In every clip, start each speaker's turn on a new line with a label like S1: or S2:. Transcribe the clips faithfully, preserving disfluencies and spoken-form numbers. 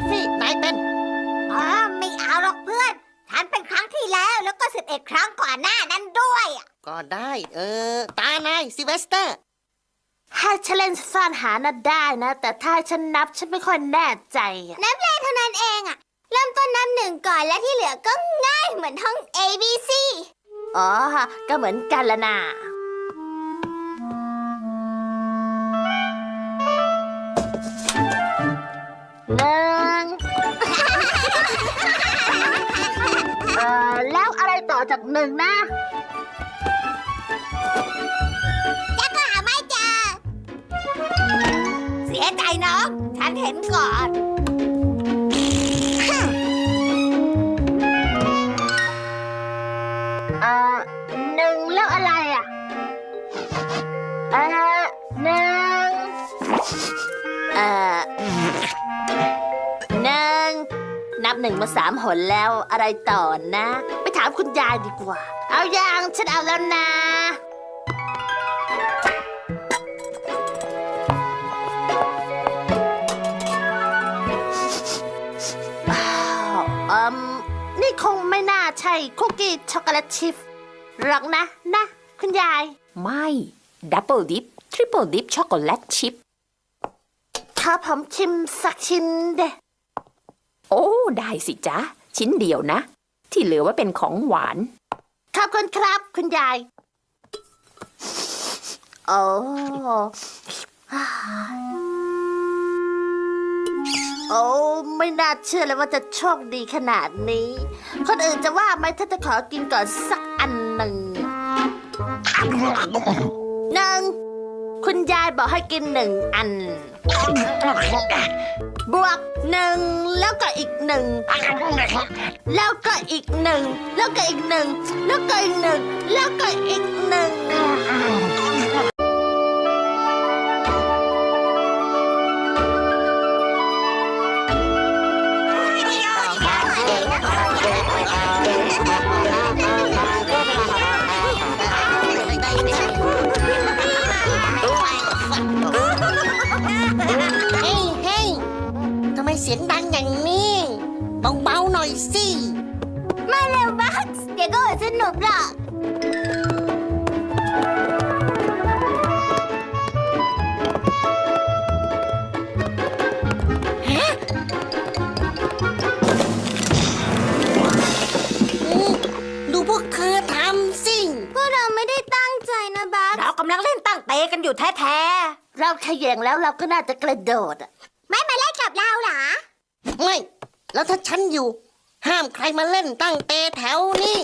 S1: ฟฟี่นายเป็น
S2: อ๋อไม่เอาหรอกเพื่อนฉันเป็นครั้งที่แล้วแล้วก็สิบเอ็ดครั้งก่อนหน้านั้นด้วย
S1: ก็ได้เออตานายซิลเวสเตอร์
S3: ให้ฉันเล่นซ่อนหาน่ะได้นะแต่ถ้าฉันนับฉันไม่ค่อยแน่ใจ
S2: นับเลขเท่านั้นเองอะเริ่มต้นนับหนึ่งก่อนและที่เหลือก็ง่ายเหมือนท่อง A B C
S3: อ๋อก็เหมือนกันละนะหนึ่งเอ่อแล้วอะไรต่อจากหนึ่งนะ
S2: จะก็หาไม่เจอเสียใจเนาะฉันเห็นก่อน
S3: เอ่อหนึ่งแล้วอะไรอ่ะเอ่อหนึ่งเอ่อหนึ่งนับหนึ่งมาสามหนแล้วอะไรต่อนะไปถามคุณยายดีกว่าเอาอย่างฉันเอาแล้วนะอืมนี่คงไม่น่าใช่คุกกี้ช็อกโกแลตชิพหรอกนะนะคุณยาย
S4: ไม่ดับเบิลดิปทริปเปิลดิปช็อกโกแลตชิพ
S3: ถ้าผมชิมสักชิ้นเด้
S4: โอ้ได้สิจ๊ะชิ้นเดียวนะที่เหลือไว้เป็นของหวาน
S3: ขอบคุณครับคุณยายโอ้โอ้ไม่น่าเชื่อเลยว่าจะโชคดีขนาดนี้คนอื่นจะว่าไหมถ้าจะขอกินก่อนสักอันหนึ่งหนึ่งคุณยายบอกให้กินหนึ่งอันบวกหนึ่งแล้วก็อีกหนึ่งแล้วก็อีกหนึ่งแล้วก็อีกหนึ่งแล้วก็อีกหนึ่งแล้วก็อีกหนึ่ง
S1: เสียงดังอย่างนี้เบาๆหน่อยสิ
S2: มาเร็วบัคส์เดี๋ยวก็สนุกหรอก
S1: ฮะดูพวกเธอทำสิ
S2: พวกเราไม่ได้ตั้งใจนะบัคเรากำลังเล่นตั้งเตะกันอยู่แท้
S3: ๆเราขย่งแล้วเราก็น่าจะกระโดด
S2: ไม่มาเล่นกับเราเหรอ
S1: ไม่แล้วถ้าฉันอยู่ห้ามใครมาเล่นตั้งเตะแถวนี้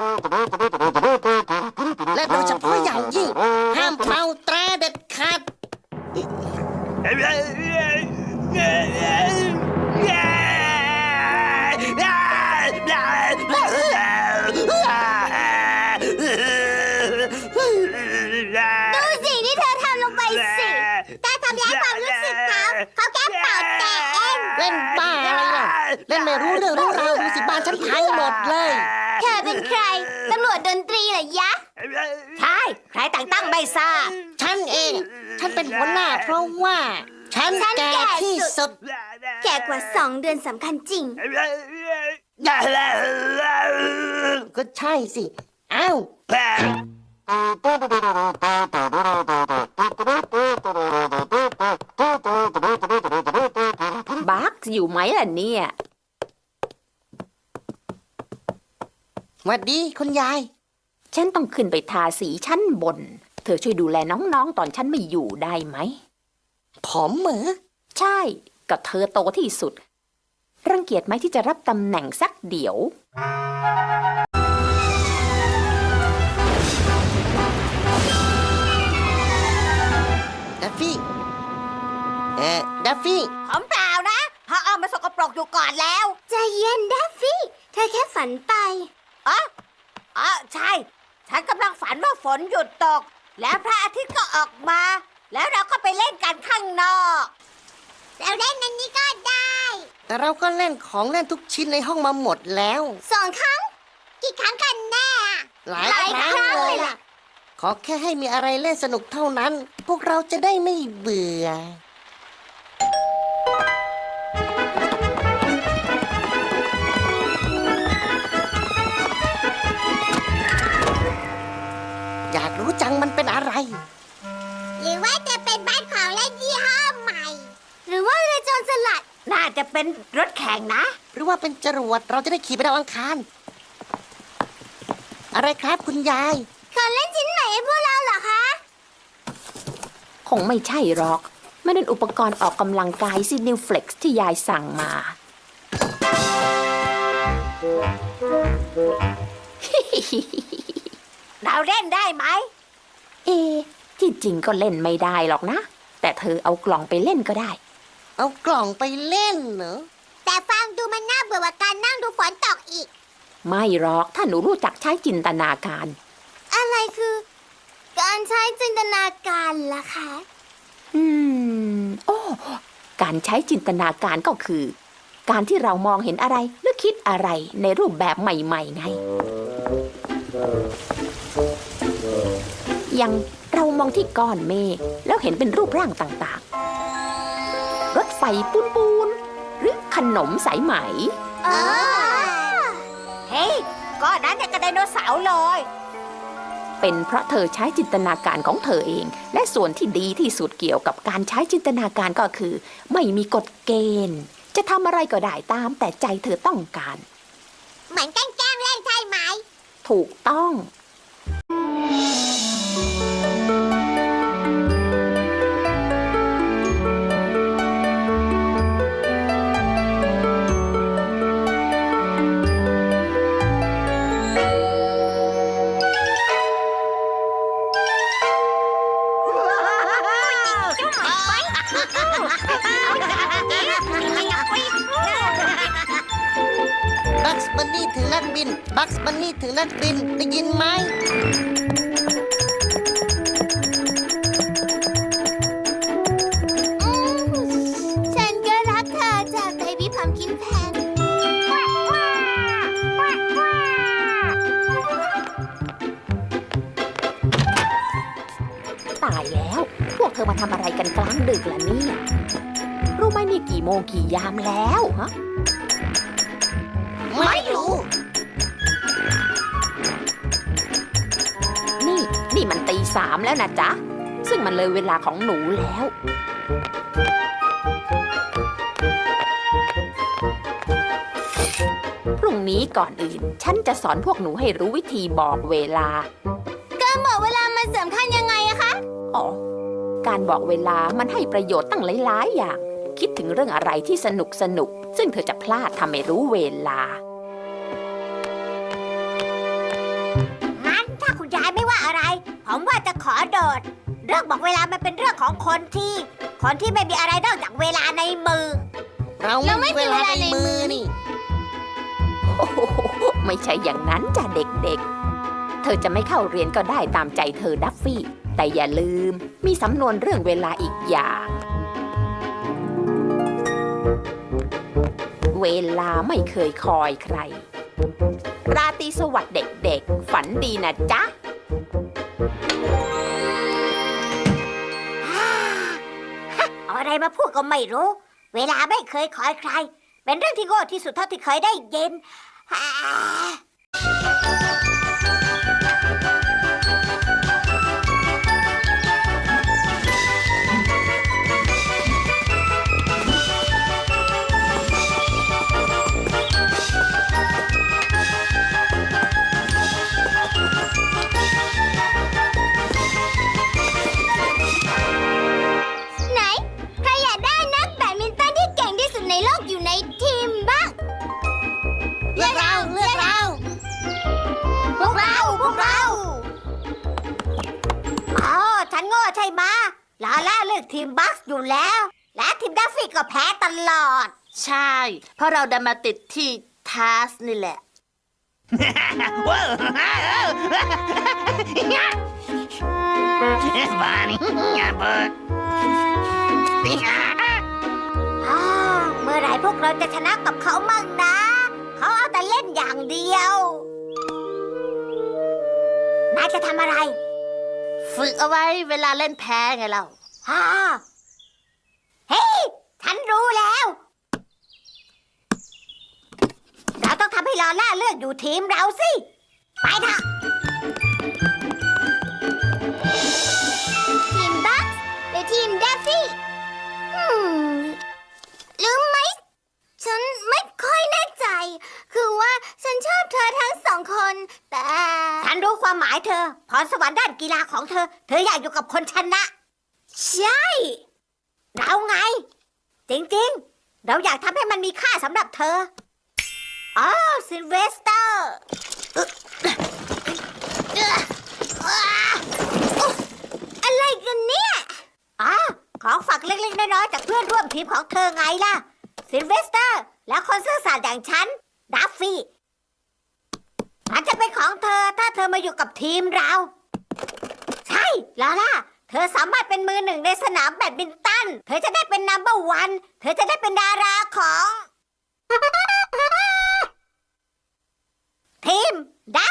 S1: และโดยเฉพาะอย่างยิ่งห้ามเป่าแตรเด็ดขาด
S2: ดูสิที่เธอทำลงไปสิแต่ทำร้ายความรู้สึกเขาเขาแค่เป่าแต่เอง
S1: เล่นบ้าอะไรล่ะเล่นไม่รู้เรื่องรู้ราวดูสิบ้านฉันพังหมดเลย
S2: เธอเป็นใครตำรวจดนตรีเหรอยะใช่ใครแต่งตั้งไม่ทราบ
S1: ฉันเองฉันเป็นหัวหน้าเพราะว่าฉันแก่ที่สุด
S2: แก่กว่าสองเดือนสำคัญจริง
S1: ก็ใช่สิอ้าว
S4: บัคอยู่ไหมล่ะเนี่ย
S1: หวัดดีคุณยาย
S4: ฉันต้องขึ้นไปทาสีชั้นบนเธอช่วยดูแลน้องๆตอนฉันไม่อยู่ได้ไหม
S1: ผมเหรอ
S4: ใช่กับเธอโตที่สุดรังเกียจไหมที่จะรับตำแหน่งสักเดี๋ยว
S1: ดัฟฟี่เอ่อดัฟฟี่
S2: ผมเปล่านะพอเอามาสกปรกอยู่ก่อนแล้วใจเย็นดัฟฟี่เธอแค่ฝันไปอ๋ออ๋อใช่ฉันกำลังฝันว่าฝนหยุดตกแล้วพระอาทิตย์ก็ออกมาแล้วเราก็ไปเล่นกันข้างนอกเราเล่นอันนี้ก็ได้
S1: แต่เราก็เล่นของเล่นทุกชิ้นในห้องมาหมดแล้ว
S2: สองครั้งกี่ครั้งกันแน่
S1: หลายครั้งเลยล่ะขอแค่ให้มีอะไรเล่นสนุกเท่านั้นพวกเราจะได้ไม่เบื่อ
S2: น่าจะเป็นรถแข่งนะ
S1: หรือว่าเป็นจรวดเราจะได้ขี่ไปดาวอังคาร อะไรครับคุณยาย
S2: ของเล่นชิ้นไหนให้พวกเราเหรอคะ
S4: คงไม่ใช่หรอกไม่เป็นอุปกรณ์ออกกำลังกายซินิวเฟล็กซ์ที่ยายสั่งมา
S2: เราเล่นได้ไหม
S4: เอ ที่จริงก็เล่นไม่ได้หรอกนะ แต่เธอเอากล่องไปเล่นก็ได้
S1: เอากล่องไปเล่นเหรอ
S2: แต่ฟังดูมันน่าเบื่อกว่าการนั่งดูฝนตกอีก
S4: ไม่หรอกถ้าหนูรู้จักใช้จินตนาการ
S2: อะไรคือ การใช้จินตนาการล่ะคะ
S4: อืม โอ้ การใช้จินตนาการก็คือ การที่เรามองเห็นอะไรหรือคิดอะไรในรูปแบบใหม่ๆไง อย่างเรามองที่ก้อนเมฆแล้วเห็นเป็นรูปร่างต่างๆ รถไฟปูนๆหรือขนมสายไหม
S2: เออเฮ้ยก้อนนั้นเนี่ยกระไดโนเสาร์เลย
S4: เป็นเพราะเธอใช้จินตนาการของเธอเอง และส่วนที่ดีที่สุดเกี่ยวกับการใช้จินตนาการก็คือ ไม่มีกฎเกณฑ์ จะทำอะไรก็ได้ตามแต่ใจเธอต้องการ
S2: เหมือนแกล้งเล่นใช่ไหม
S4: ถูกต้อง
S1: บัคส์บันนี่ถึงนักบิน บัคส์บันนี่ถึงนักบิน ได้ยินไหม
S2: ฉันก็รักเธอจากเบบี้พัมคินแพน
S4: ตายแล้ว พวกเธอมาทำอะไรกันกลางดึกล่ะเนี่ย รู้ไหมนี่กี่โมงกี่ยามแล้วฮะ
S1: ไม่รู้
S4: นี่ นี่มันตีสามแล้วนะจ๊ะ ซึ่งมันเลยเวลาของหนูแล้ว พรุ่งนี้ก่อนอื่น ฉันจะสอนพวกหนูให้รู้วิธีบอกเวลา
S2: การบอกเวลามันสำคัญยังไงอะคะ
S4: อ๋อ การบอกเวลามันให้ประโยชน์ตั้งหลายๆอย่าง คิดถึงเรื่องอะไรที่สนุกสนุก ซึ่งเธอจะพลาดทำไม่รู้เวลา
S2: งั้นถ้าคุณยายไม่ว่าอะไร ผมว่าจะขอโดด เรื่องบอกเวลามันเป็นเรื่องของคนที่ คนที่ไม่มีอะไรนอกจากเวลาในมือ
S1: เราไม่มีเวลาในมือนี่
S4: โอ้โหไม่ใช่อย่างนั้นจ้ะเด็กๆ เธอจะไม่เข้าเรียนก็ได้ตามใจเธอดัฟฟี่ แต่อย่าลืมมีสำนวนเรื่องเวลาอีกอย่าง เวลาไม่เคยคอยใคร ราตรีสวัสดิ์เด็กๆ ฝันดีนะจ๊ะ
S2: เอาอะไรมาพูดก็ไม่รู้ เวลาไม่เคยคอยใคร เป็นเรื่องที่โง่ที่สุดเท่าที่เคยได้ยิน ไหน ใครอยากได้นักแบดมินตันที่เก่งที่สุดในโลกอยู่ในทีมบ้าง
S1: เลือกเรา เลือกเรา
S2: พวกเรา พวกเรา อ๋อ ฉันโง่ใช่ไหมะลาล่าเลือกทีมบัคส์อยู่แล้ว และทีมดัฟฟี่ก็แพ้ตลอด
S3: ใช่ เพราะเราดันมาติดที่ทัสนี่แหละ
S5: It's funny. Yeah, but.
S2: อ่าเมื่อไหร่พวกเราจะชนะกับเขามั่งนะ เขาเอาแต่เล่นอย่างเดียว นายจะทำอะไร
S3: ฝึกเอาไว้เวลาเล่นแพ้ไงเรา
S2: ฮ่าเฮ้ย ฉันรู้แล้ว เราต้องทำให้ลอล่าเลือกอยู่ทีมเราสิ ไปเถอะ ทีมบัคส์หรือทีมเดฟฟี่ อืมหรือไม่ายเธอพรสวรรค์ด้านกีฬาของเธอ เธออยากอยู่กับคนชนะ ใช่ เราไง จริงๆ เราอยากทำให้มันมีค่าสำหรับเธออ๋อซิลเวสเตอร์อะไรกันเนี่ยอ๋อของฝากเล็กๆน้อยๆจากเพื่อนร่วมทีมของเธอไงล่ะซิลเวสเตอร์และคนซื่อสัตย์อย่างฉันดัฟฟี่มันจะเป็นของเธอถ้าเธอมาอยู่กับทีมเรา ใช่ลาล่าเธอสามารถเป็นมือหนึ่งในสนามแบดมินตันเธอจะได้เป็นนัมเบอร์วันเธอจะได้เป็นดาราของ ทีมดั